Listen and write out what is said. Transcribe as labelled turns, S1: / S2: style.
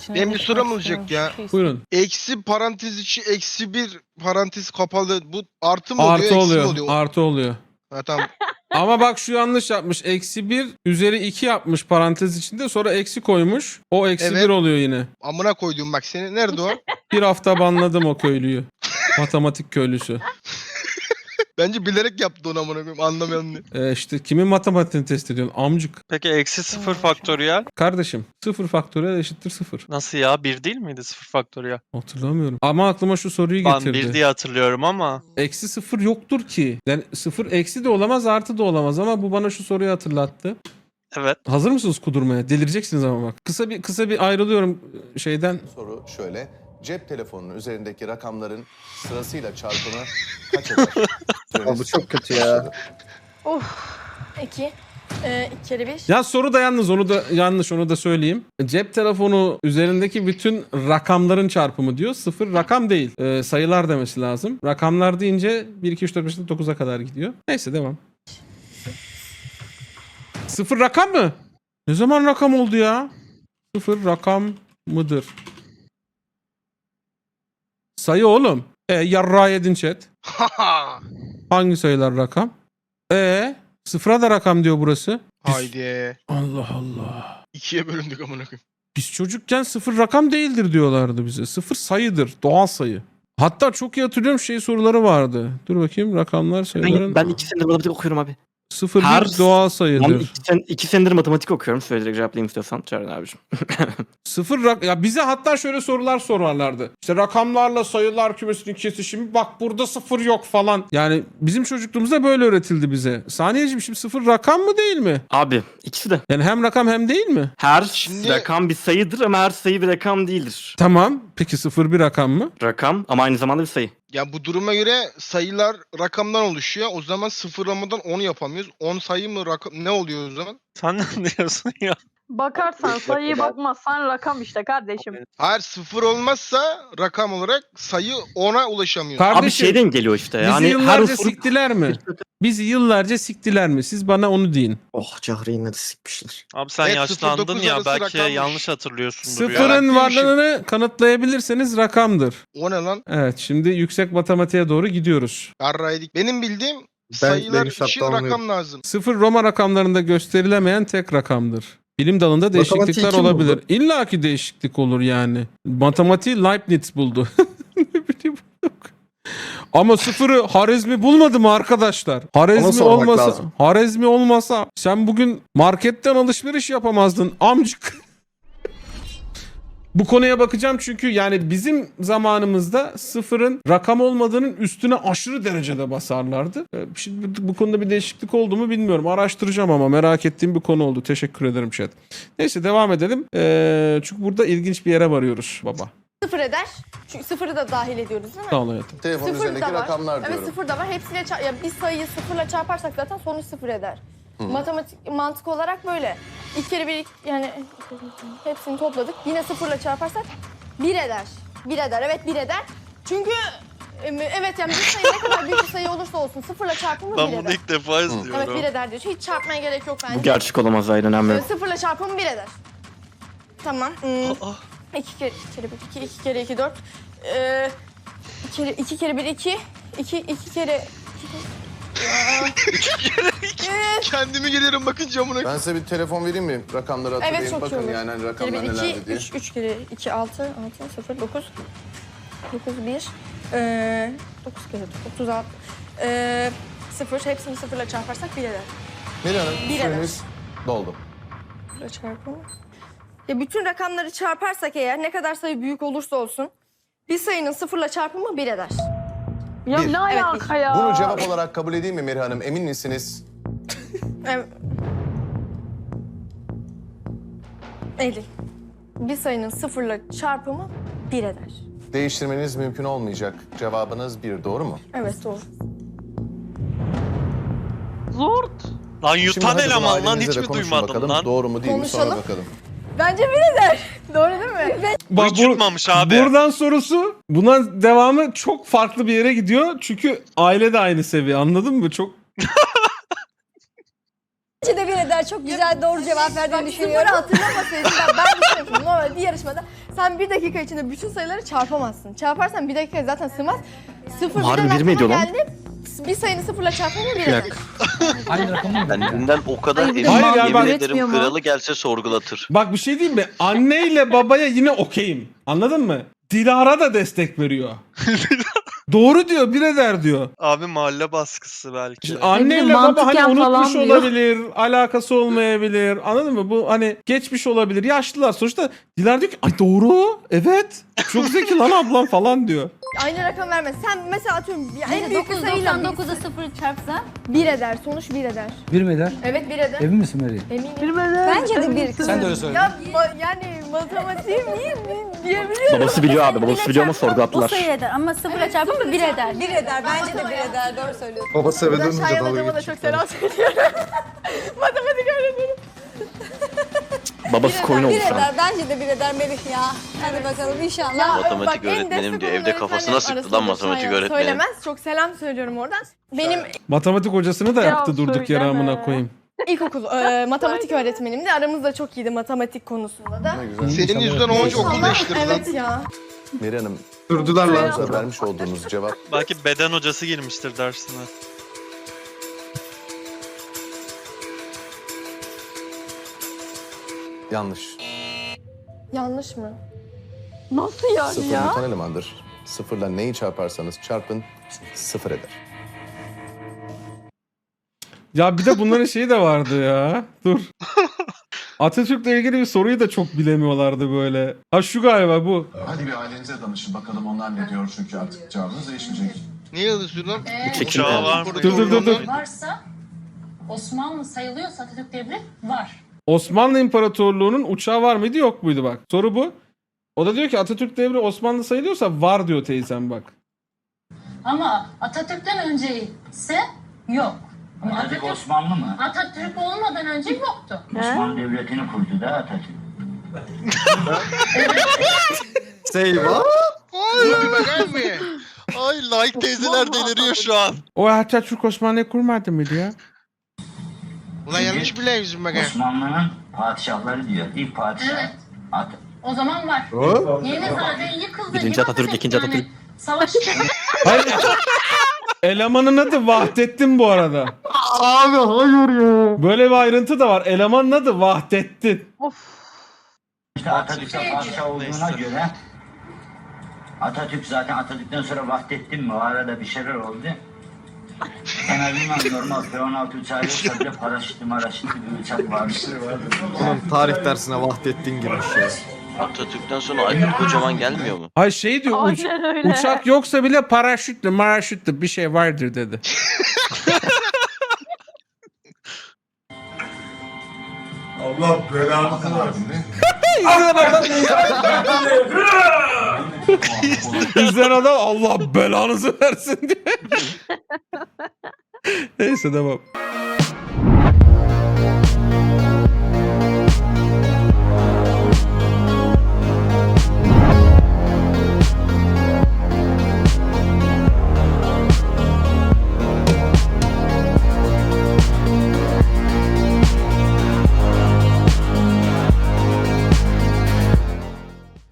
S1: Benim bir sorum olacak ya.
S2: Buyurun.
S1: Eksi parantez içi eksi bir parantez kapalı. Bu artı mı oluyor
S2: Artı
S1: eksi mi
S2: oluyor.
S1: oluyor?
S2: Artı oluyor.
S1: Ha, tamam.
S2: Ama bak şu yanlış yapmış. Eksi 1 üzeri 2 yapmış parantez içinde. Sonra eksi koymuş. O eksi
S1: Evet.
S2: 1 oluyor yine.
S1: Amına koyduğum bak seni. Nerede o?
S2: Bir hafta banladım o köylüyü. Matematik köylüsü.
S1: Bence bilerek yaptı onu amına koyayım. Anlamayan diye.
S2: İşte kimin matematiğini test ediyorsun? Amcık.
S3: Peki eksi 0 faktöriyel
S2: Kardeşim 0 faktöriyel eşittir 0.
S3: nasıl ya? 1 değil miydi 0 faktöriyel?
S2: Hatırlamıyorum. Ama aklıma şu soruyu
S3: Ben
S2: getirdi.
S3: 1 diye hatırlıyorum ama.
S2: Eksi 0 yoktur ki. Yani 0 eksi de olamaz artı da olamaz ama bu bana şu soruyu hatırlattı.
S3: Evet.
S2: Hazır mısınız kudurmaya? Delireceksiniz ama bak. Kısa bir ayrılıyorum şeyden.
S4: Soru şöyle. Cep telefonunun üzerindeki rakamların sırasıyla çarpımı kaç eder?
S5: Bu çok kötü ya.
S6: 2. 2 kere 1.
S2: Ya soru da yalnız onu da yanlış onu da söyleyeyim. Cep telefonu üzerindeki bütün rakamların çarpımı diyor. 0 rakam değil. Sayılar demesi lazım. Rakamlar deyince 1, 2, 3, 4, 5, 9'a kadar gidiyor. Neyse devam. 0 rakam mı? Ne zaman rakam oldu ya? 0 rakam mıdır? Sayı oğlum. Yarrağı yedin chat. Hangi sayılar rakam? Sıfıra da rakam diyor burası.
S1: Haydi.
S2: Allah Allah.
S1: 2'ye bölündük amına koyayım.
S2: Biz çocukken 0 rakam değildir diyorlardı bize. 0 sayıdır. Doğal sayı. Hatta çok iyi hatırlıyorum soruları vardı. Dur bakayım rakamlar sayıların.
S5: Ben 2 senedir matematik okuyorum abi.
S2: 0
S5: her-
S2: bir doğal
S5: Ben
S2: sayıdır.
S5: 2 senedir matematik okuyorum. Söyleyerek cevaplayayım istiyorsan Çağrı abicim.
S2: 0 ya bize hatta şöyle sorular sorarlardı. İşte rakamlarla sayılar kümesinin kesişimi bak burada 0 yok falan. Yani bizim çocukluğumuzda böyle öğretildi bize. Saniyeciğim şimdi 0 rakam mı değil mi?
S5: Abi ikisi de.
S2: Yani hem rakam hem değil mi?
S5: Her
S1: Şimdi-
S5: rakam bir sayıdır ama her sayı bir rakam değildir.
S2: Tamam. Peki 0 bir rakam mı?
S5: Rakam ama aynı zamanda bir sayı.
S1: Ya bu duruma göre sayılar rakamdan oluşuyor. O zaman sıfırlamadan 10 yapamıyoruz. 10 sayı mı rakam ne oluyor o zaman?
S3: Sen ne diyorsun ya?
S7: Bakarsan sayıyı bakmazsan rakam işte kardeşim.
S1: Hayır sıfır olmazsa rakam olarak sayı 10'a ulaşamıyor.
S5: Abi
S2: Kardeşim
S5: şeyden geliyor işte.
S2: bizi
S5: Yani her
S2: yıllarca
S5: unsur...
S2: siktiler mi? Bizi yıllarca siktiler mi? Siz bana onu deyin.
S5: Oh Cahre'yi yine de sikmişler.
S3: Abi sen
S1: Evet,
S3: yaşlandın
S1: 0-9
S3: ya
S1: arası
S3: belki
S1: rakammış.
S3: yanlış hatırlıyorsundur ya.
S2: Sıfırın
S1: Yarattıymışım.
S2: varlığını kanıtlayabilirseniz rakamdır.
S1: O ne lan?
S2: Evet şimdi yüksek matematiğe doğru gidiyoruz.
S1: Yarraydık. Benim bildiğim sayılar
S5: benim
S1: için
S5: şapkamı
S1: rakam lazım.
S2: 0 Roma rakamlarında gösterilemeyen tek rakamdır. Bilim dalında değişiklikler
S5: kim
S2: olabilir.
S5: buldu?
S2: İlla ki değişiklik olur yani. Matematiği Leibniz buldu. Ne bileyim. Ama sıfırı Harezmi bulmadı mı arkadaşlar? Harezmi
S5: sormak
S2: olmasa,
S5: lazım.
S2: Harezmi olmasa sen bugün marketten alışveriş yapamazdın amcık. Bu konuya bakacağım çünkü yani bizim zamanımızda sıfırın rakam olmadığının üstüne aşırı derecede basarlardı. Şimdi bu konuda bir değişiklik oldu mu bilmiyorum. Araştıracağım ama merak ettiğim bir konu oldu. Teşekkür ederim chat. Neyse devam edelim. Çünkü burada ilginç bir yere varıyoruz baba.
S6: 0 eder. Çünkü 0'ı da dahil ediyoruz değil mi?
S2: Sağ ol hayatım.
S4: Telefonun
S6: Sıfır
S4: üzerindeki
S6: da var.
S4: rakamlar
S6: Evet
S4: diyorum.
S6: 0 da var. Hepsiyle ya bir sayıyı 0'la çarparsak zaten sonuç 0 eder. Matematik mantık olarak böyle. 2 kere 1 yani hepsini topladık. Yine 0'la çarparsak 1 eder. 1 eder. Evet 1 eder. Çünkü evet yani bir sayı ne kadar büyük bir sayı olursa olsun 0'la çarpımı 1
S3: Ben bunu
S6: eder.
S3: ilk defa izliyorum.
S6: Evet 1 eder diyor. Hiç çarpmaya gerek yok bence.
S5: Bu gerçek olamaz ayrı önemli.
S6: 0'la çarpımı 1 eder. Tamam.
S3: Aa,
S6: 2 kere 1 2, 2 kere 2 4. 2 kere 1 2, 2 kere
S1: Kendimi gelirim bakınca amına koyayım.
S4: Ben size bir telefon vereyim mi? Rakamları hatırlayın.
S6: Evet, çok iyi
S4: Bakın
S6: olur.
S4: yani hani
S6: kere
S4: rakamlar
S6: 1
S4: nelerdi
S6: 2
S4: diye.
S6: 3 kere 2 6 0 9 9 1 9 kere 36 0 hepsini 0'la çarparsak 1 eder.
S4: Melih Hanım
S6: Bir
S4: süreniz doldu.
S6: 0'la çarpımı. Ya bütün rakamları çarparsak eğer ne kadar sayı büyük olursa olsun bir sayının 0'la çarpımı 1 eder.
S7: Ya
S4: Bir.
S7: ne alaka ya?
S4: Bunu cevap olarak kabul edeyim mi Melih Hanım? Emin misiniz?
S6: Evet. Eylül. Bir sayının 0'la çarpımı 1 eder.
S4: Değiştirmeniz mümkün olmayacak. Cevabınız 1, doğru mu?
S6: Evet doğru.
S7: Zort.
S3: Lan
S4: Şimdi
S3: yutan
S4: hadi
S3: eleman lan
S4: ailenizle
S3: hiç
S4: de
S3: mi
S4: konuşun
S3: duymadın
S4: bakalım.
S3: lan?
S4: Doğru mu değil mi? Sonra
S6: Konuşalım.
S4: bakalım.
S6: Bence 1 eder. Doğru değil mi?
S3: Bu hiç yutmamış abi.
S2: Buradan sorusu buna devamı çok farklı bir yere gidiyor. Çünkü aile de aynı seviye anladın mı? Çok
S8: Bence de bir eder. Çok güzel doğru cevap verdiğini
S6: Sıfırı
S8: düşünüyorum.
S6: hatırlamasaydın ben düşünüyorum. Normal bir yarışmada sen 1 dakika içinde bütün sayıları çarpamazsın. Çarparsan 1 dakika zaten sığmaz. Sıfır
S5: Harbi
S6: birden
S5: bir mi ediyor
S6: aklıma
S5: lan?
S6: geldi. Bir sayını sıfırla çarpınca 1 eder.
S9: Kendinden o kadar
S7: Hayır, bir
S9: eminim
S2: de mantık
S9: yemin ederim
S7: üretmiyor mu?
S9: kralı gelse sorgulatır.
S2: Bak bir şey diyeyim mi? Anneyle babaya yine okeyim. Anladın mı? Dilara da destek veriyor. Doğru diyor, bir eder diyor.
S3: Abi mahalle baskısı belki.
S2: İşte anneyle baba hani
S7: mantıken falan
S2: unutmuş
S7: diyor.
S2: olabilir, alakası olmayabilir. Anladın mı? Bu hani geçmiş olabilir. Yaşlılar sonuçta. Dilara diyor ki ay doğru, evet. Çok zeki lan ablam falan diyor.
S6: Aynı rakam vermez. Sen mesela atıyorum en büyük bir sayıyla
S8: 999'a 0 çarpsa
S6: 1 eder. Sonuç 1 eder.
S10: Bir mi eder?
S6: Evet 1 eder.
S10: Emin misin Mary?
S6: Eminim.
S8: bence de bir.
S10: Sen de öyle söyle.
S6: Ya yani matematiğim iyi diyebiliyorum.
S5: Babası biliyor abi. Babası biliyor ama
S8: O
S5: sorgulattılar.
S8: sayı eder ama 0'la çarpınca 1 eder.
S11: 1 eder. Bence de 1 eder. Doğru söylüyorsun.
S1: Babası eve
S6: Buradan Şayan hocama da çok selam söylüyorum. Matematik öğretmenim.
S5: Babası koyun
S11: 1
S5: oldu şu an.
S11: eder. Bence de 1 eder Melih ya. Hadi bakalım inşallah.
S6: Ya,
S9: Matematik
S6: bak, en
S9: öğretmenim
S6: destek
S9: diyor.
S6: olan
S9: Evde kafasına
S6: öğretmenlerin
S9: sıktı lan
S6: arasında
S9: matematik
S6: Şayan
S9: öğretmenim.
S6: Söylemez. Çok selam söylüyorum oradan. Benim
S2: Matematik hocasını da
S7: Ya
S2: yaktı durduk yere
S7: söyleme.
S2: amına koyayım.
S6: ilkokul matematik öğretmenimdi. Aramız da çok iyiydi matematik konusunda da.
S4: Ne güzel.
S1: Senin yüzünden o hoca okul
S6: Allah,
S1: değiştirdi lan.
S6: evet ya.
S4: Meri Hanım,
S1: Durdular lan.
S4: sorunuza vermiş olduğunuz cevap
S3: Belki beden hocası girmiştir dersine.
S4: yanlış.
S6: Yanlış mı?
S7: Nasıl yani
S4: Sıfır
S7: ya?
S4: mutan elemandır. Sıfırla neyi çarparsanız çarpın 0 eder.
S2: Ya bir de bunların şeyi de vardı ya. Dur. Atatürk'le ilgili bir soruyu da çok bilemiyorlardı böyle. Ha şu galiba bu.
S4: Hadi bir ailenize danışın bakalım onlar ne diyor çünkü artık cevabınız değişmeyecek.
S1: Niye yazıyorsun lan?
S5: Çekim
S3: Uçağı
S5: yani.
S3: var mı?
S2: Dur.
S11: Varsa Osmanlı sayılıyorsa Atatürk devri var.
S2: Osmanlı İmparatorluğu'nun uçağı var mıydı yok muydu bak. Soru bu. O da diyor ki Atatürk devri Osmanlı sayılıyorsa var diyor teyzem bak.
S11: Ama Atatürk'ten önce ise yok. Ama
S10: Atatürk Osmanlı mı?
S11: Atatürk olmadan önce yoktu.
S10: Osmanlı Devleti'ni kurdu da Atatürk.
S1: Ay bir bakar mı?
S3: Ay like teyzeler deliriyor şu an.
S2: O Atatürk Osmanlı'yı kurmadı mıydı ya?
S1: Ulan yanlış biliyorsun bak ha.
S10: Osmanlı'nın padişahları diyor. İlk padişah.
S11: Evet. O zaman var. Yeni zaten yıkıldı.
S5: Birinci Atatürk, ikinci Atatürk.
S11: Savaş
S2: Hayır. Elemanın adı Vahdettin bu arada.
S1: Abi hayır ya.
S2: Böyle bir ayrıntı da var. Elemanın adı Vahdettin.
S7: Of.
S10: İşte Atatürk'e padişah olduğuna göre Atatürk zaten Atatürk'ten sonra Vahdettin mi? O arada bir şeyler oldu. En azından normal F-16 uçağı yoksa bile paraşütlü bir uçak vardı.
S1: Tarih dersine Vahdettin girmiş ya.
S9: Atatürk'ten sonra Aykut Kocaman gelmiyor mu?
S2: Ay şey diyor
S7: Aynen öyle.
S2: uçak yoksa bile paraşütlü bir şey vardır dedi.
S4: Allah belanı versin.
S2: İzleyen adam Allah belanızı versin diye. Neyse devam.